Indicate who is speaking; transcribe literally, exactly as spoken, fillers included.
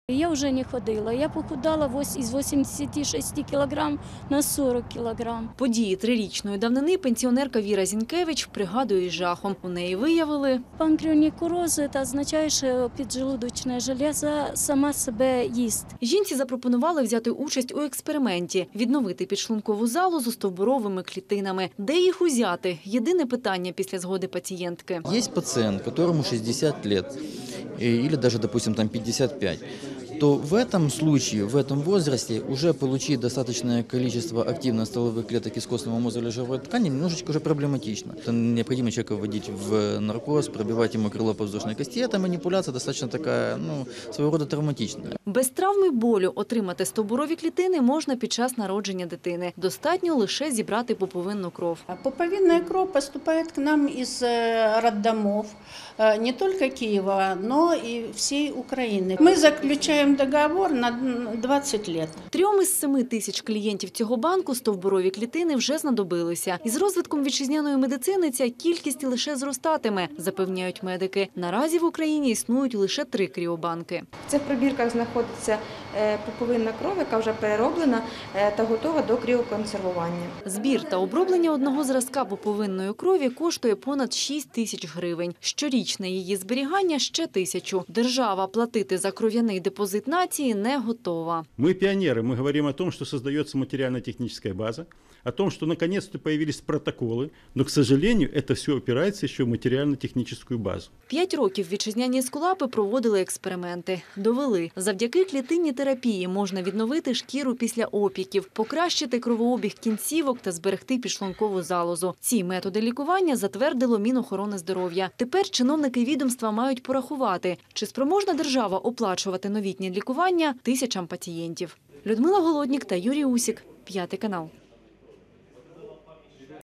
Speaker 1: Я вже не ходила, я похудала із вісімдесяти шести кілограм на сорок кілограм.
Speaker 2: Події трирічної давнини пенсіонерка Віра Зінкевич пригадує із жахом. У неї виявили
Speaker 1: Панкреонікуроз – це означає, що піджелудочна железа сама себе їсть.
Speaker 2: Жінці запропонували взяти участь у експерименті – відновити підшлункову залозу стовбуровими клітинами. Де їх узяти? Єдине питання після згоди пацієнтки.
Speaker 3: Є пацієнт, якому шістдесят років, или даже, допустим, там пятьдесят пять, то в этом случае, в этом возрасте уже получить достаточное количество активных стволовых клеток из костного мозга или жировой ткани немножечко уже проблематично. Это необходимо человека вводить в наркоз, пробивать ему крыло подвздошной кости. Эта манипуляция достаточно такая, ну, своего рода травматичная.
Speaker 2: Без травми болю отримати стовбурові клітини можна під час народження дитини. Достатньо лише зібрати пуповинну кров.
Speaker 4: Пуповинная кров поступает к нам из роддомов не только Киева, но и всей Украины. Мы заключаем договор на двадцять лет.
Speaker 2: Трьом із семи тисяч клієнтів цього банку стовбурові клітини вже знадобилися. Із розвитком вітчизняної медицини ця кількість лише зростатиме, запевняють медики. Наразі в Україні існують лише три кріобанки.
Speaker 5: В цих пробірках знаходиться пуповинна кров, яка вже перероблена та готова до кріоконсервування.
Speaker 2: Збір та оброблення одного зразка пуповинної крові коштує понад шість тисяч гривень. Щорічне її зберігання – ще тисячу. Держава платити за кров'яний депозит нації не готова.
Speaker 6: Мы пионеры, мы говорим о том, что создается материально-техническая база, о том, что наконец-то появились протоколы, но, к сожалению, это все опирается еще в материально-техническую базу.
Speaker 2: П'ять років вітчизняні ескулапи проводили експерименти. Довели, завдяки клітинній терапії можна відновити шкіру після опіків, покращити кровообіг кінцівок та зберегти підшлункову залозу. Ці методи лікування затвердило Мінохорони здоров'я. Тепер чиновники відомства мають порахувати, чи спроможна держава оплачувати новітнє лікування тисячам пацієнтів. Людмила Голоднік та Юрій Усік. П'ятий канал.